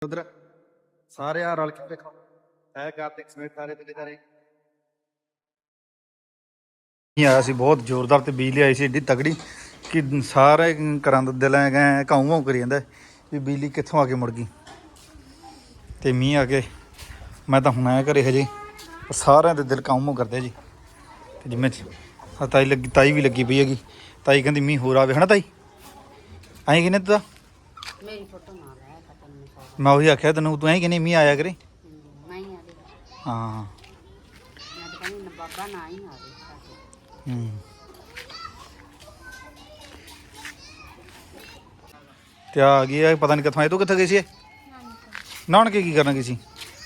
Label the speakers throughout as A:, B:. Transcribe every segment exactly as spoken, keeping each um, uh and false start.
A: ਉਧਰ ਸਾਰੇ ਆ ਰਲ ਕੇ ਦੇਖੋ ਐ ਕਾਰਤਿਕ ਸਮੇਤ ਸਾਰੇ ਤੇ ਸਾਰੇ ਇਹ ਆਇਆ ਸੀ ਬਹੁਤ ਜ਼ੋਰਦਾਰ ਤੇ ਬਿਜਲੀ ਆਈ ਸੀ ਏਡੀ ਤਗੜੀ ਕਿ ਸਾਰੇ ਘਰਾਂ ਦੇ ਦਿਲ ਗਏ ਘਾਉ ਘਾਉ ਕਰੀ ਜਾਂਦਾ ਵੀ ਬਿਜਲੀ ਕਿੱਥੋਂ ਆ ਕੇ ਮੁੜ ਗਈ ਤੇ ਮੀਂਹ ਆ ਕੇ ਮੈਂ ਤਾਂ ਹੁਣ ਆਇਆ ਘਰੇ ਹਜੇ ਸਾਰਿਆਂ ਦੇ ਦਿਲ ਕਾਉ ਕਰਦੇ ਜੀ ਤੇ ਜਿਵੇਂ ਤਾਈ ਲੱਗੀ ਤਾਈ ਵੀ ਲੱਗੀ ਪਈ ਹੈਗੀ ਤਾਈ ਕਹਿੰਦੀ ਮੀਂਹ ਹੋਰ ਆਵੇ ਹਨਾ ਤਾਈ ਐਂ ਕਿਨੇ ਤੂੰ
B: ਮੇਰੀ ਫੋਟੋ ਨਾ ਲੈ ਪਤਾ ਨਹੀਂ
A: ਮੈਂ ਉਹੀ ਆਖਿਆ ਤੈਨੂੰ ਤੂੰ ਐਂ ਕਿਨੇ ਮੀਂਹ ਆਇਆ ਕਰੇ
B: ਨਹੀਂ ਆਦੇ
A: ਹਾਂ
B: ਮੈਂ ਤਾਂ ਕਹਿੰਦੀ ਨਾ ਬਾਬਾ ਨਾ ਹੀ ਆਵੇ
A: ਹੂੰ ਤੇ ਆ ਗਈ ਹੈ ਪਤਾ ਨਹੀਂ ਕਿੱਥੋਂ ਆਏ ਤੂੰ ਕਿੱਥੇ ਗਈ ਸੀ ਨਾਨਕੇ ਕੀ ਕਰਨਾ ਗਈ ਸੀ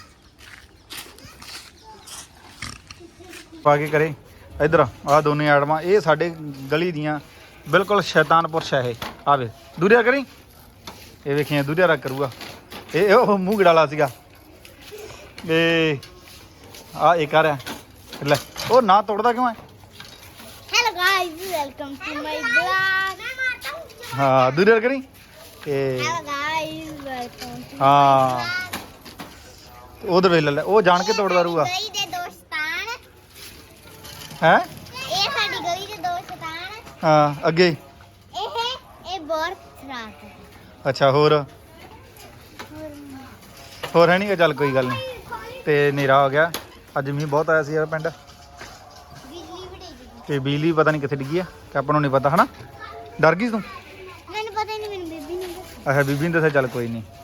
A: ਪਾ ਕੇ ਕਰੇ ਇਧਰ ਆ ਦੋਨੇ ਆੜਮਾਂ ਇਹ ਸਾਡੇ ਗਲੀ ਦੀਆਂ ਬਿਲਕੁਲ ਸ਼ੈਤਾਨਪੁਰ ਸ਼ਹਿ ਆਵੇ ਦੂਰਿਆ ਕਰੀ ਇਹ ਵੇਖੀਆਂ ਦੂਰਿਆ ਰੱਖ ਕਰੂਗਾ ਇਹ ਉਹ ਮੂੰਹ ਗੜਾਲਾ ਸੀਗਾ ਇਹ ਆ ਇਹ ਕਰ ਲੈ ਉਹ ਨਾ ਤੋੜਦਾ ਕਿਉਂ ਹੈ
C: hello guys welcome to my blog
A: ਹਾਂ ਦੂਰਿਆ ਕਰੀ ਇਹ
C: हेलो गाइस वेलकम टू
A: ਹਾਂ ਉਧਰ ਵੇਖ ਲੈ ਉਹ ਜਾਣ ਕੇ ਤੋੜਦਾ ਰਹੂਗਾ
C: ਗਲੀ ਦੇ ਦੋਸਤਾਨ
A: ਹੈ
C: ਇਹ ਸਾਡੀ ਗਲੀ ਦੇ ਦੋਸਤਾਨ
A: ਹਾਂ ਅੱਗੇ
C: ਇਹ ਇਹ ਬਹੁਤ ਖਰਾਬ ਹੈ
A: ਅੱਛਾ ਹੋਰ ਹੋਰ ਹੈ ਨਹੀਂ ਚੱਲ ਕੋਈ ਗੱਲ ਨਹੀਂ ਤੇ ਹਨੇਰਾ ਹੋ ਗਿਆ ਅੱਜ ਮੀਂਹ ਬਹੁਤ ਆਇਆ ਸੀ ਯਾਰ ਪਿੰਡ
C: ਬਿਜਲੀ ਵੀ ਡਿੱਗੀ
A: ਤੇ ਬਿਜਲੀ ਪਤਾ ਨਹੀਂ ਕਿੱਥੇ ਡਿੱਗੀ ਆ ਕਿ ਆਪਾਂ ਨੂੰ ਨਹੀਂ ਪਤਾ ਹਨਾ ਡਰ ਗਈ ਤੂੰ
C: ਮੈਨੂੰ ਪਤਾ ਹੀ ਨਹੀਂ ਮੈਨੂੰ ਬੀਬੀ ਨੇ ਦੱਸਿਆ
A: ਅੱਛਾ ਬੀਬੀ ਨੇ ਦੱਸਿਆ ਚੱਲ ਕੋਈ ਨਹੀਂ